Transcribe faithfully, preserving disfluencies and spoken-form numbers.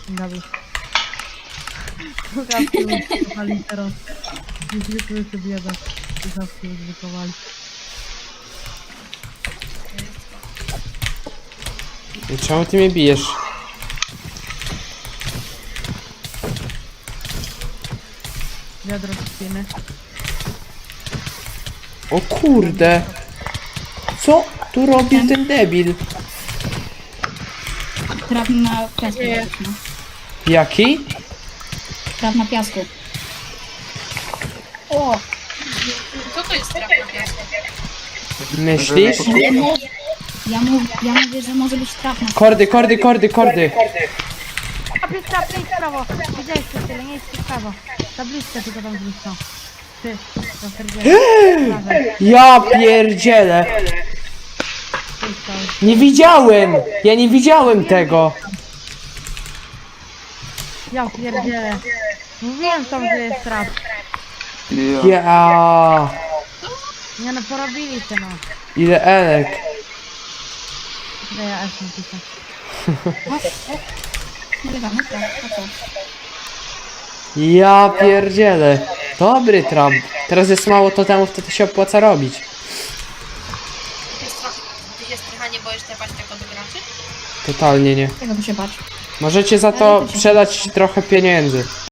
Dobra. Słuchawki użytkowali teraz. Niezwykły to bieda. Słuchawki użytkowali. I czemu ty mnie bijesz? Wiadro spiny. O kurde! Co tu robi ten debil? Traf na piasku. Nie. No. Jaki? Traf na piasku. O! Co to jest traf na piasku? Myślisz? Ja, mu, ja, mów, ja mówię, że może być traf na Kordy, kordy, kordy, kordy! A pięć prawo, pięć prawo. Widziałeś to tyle, nie jest w prawo. Tabliczkę tylko tam zniszczą. Ty, to Ja pierdzielę! Nie widziałem! Ja nie widziałem tego! Ja pierdzielę. Mówiłem tam, że jest trap. Ja. Nie no, porobili się no. Ile elek? Daj ja aż napiszę. Nagrywamy, tak, a co? Ja pierdzielę. Dobry trap. Teraz jest mało totemów, to to się opłaca robić. Jest trochę, ty się strycha nie boisz tepać tego do graczy? Totalnie nie. Tego tu się patrz. Możecie za to sprzedać trochę pieniędzy.